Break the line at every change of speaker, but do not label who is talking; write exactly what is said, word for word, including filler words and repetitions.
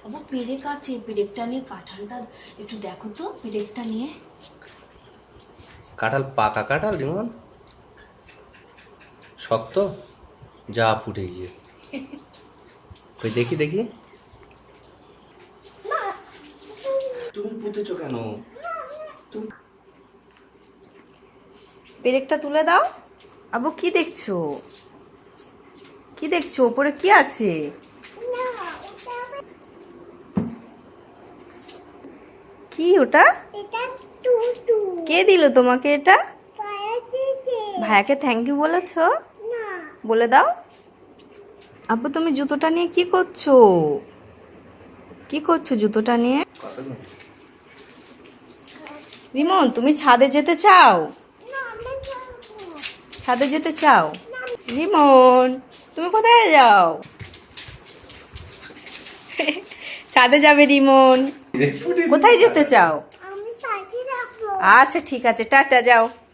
আবার পেরেক আছে, পেরেকটা নিয়ে কাঁঠালটা একটু দেখো তো, পেরেকটা নিয়ে।
কাঁঠাল পাকা কাঁঠাল রিমন, শক্ত, যা ফুটে গিয়ে কই দেখি দেখি। তুমি পুঁতেছো কেন? তুমি
পেরেকটা তুলে দাও। আবু কি দেখছো? কি দেখছো? উপরে কি আছে? কি ওটা? কে দিল তোমাকে এটা? ভাইয়াকে থ্যাংক ইউ বলেছো? বলে দাও। আব্বু তুমি জুতোটা নিয়ে কি করছো? কি করছো জুতোটা নিয়ে? রিমন তুমি ছাদে যেতে চাও? ছাদে যেতে চাও? রিমন তুমি কোথায় যাও? ছাদে যাবে রিমন। কোথায় যেতে চাও? আচ্ছা ঠিক আছে, টাটা, যাও।